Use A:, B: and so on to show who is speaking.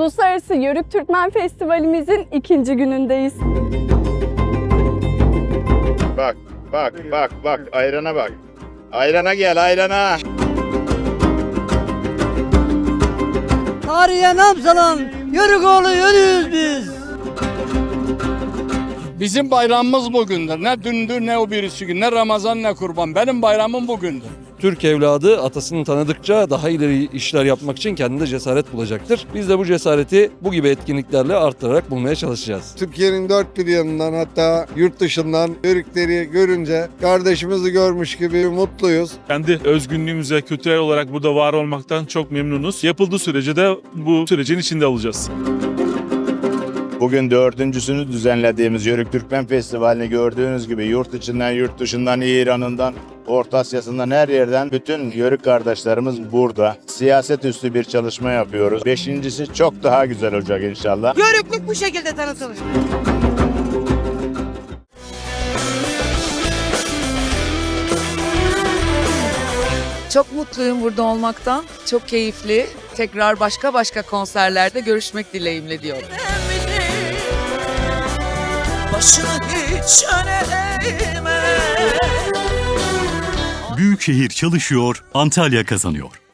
A: Uluslararası Yörük Türkmen Festivalimizin 2. günündeyiz.
B: Bak, ayrana bak. Ayrana gel, ayrana.
C: Tarihe nam salan Yörükoğlu yörüyüz biz.
D: Bizim bayramımız bugündür. Ne dündür ne o birisi gün, ne Ramazan ne kurban. Benim bayramım bugündür.
E: Türk evladı atasını tanıdıkça daha ileri işler yapmak için kendinde cesaret bulacaktır. Biz de bu cesareti bu gibi etkinliklerle arttırarak bulmaya çalışacağız.
F: Türkiye'nin dört bir yanından, hatta yurt dışından Yörükleri görünce kardeşimizi görmüş gibi mutluyuz.
G: Kendi özgünlüğümüze kültürel olarak burada var olmaktan çok memnunuz. Yapıldığı sürece de bu sürecin içinde olacağız.
B: Bugün 4.'sünü düzenlediğimiz Yörük Türkmen Festivali'ni gördüğünüz gibi yurt içinden, yurt dışından, İran'ından, Orta Asya'sından her yerden bütün Yörük kardeşlerimiz burada. Siyaset üstü bir çalışma yapıyoruz. 5.'si çok daha güzel olacak inşallah.
C: Yörüklük bu şekilde tanıtılır.
H: Çok mutluyum burada olmaktan. Çok keyifli. Tekrar başka konserlerde görüşmek dileğimle diyorum.
C: Başını hiç öne eğme.
I: Büyükşehir çalışıyor, Antalya kazanıyor.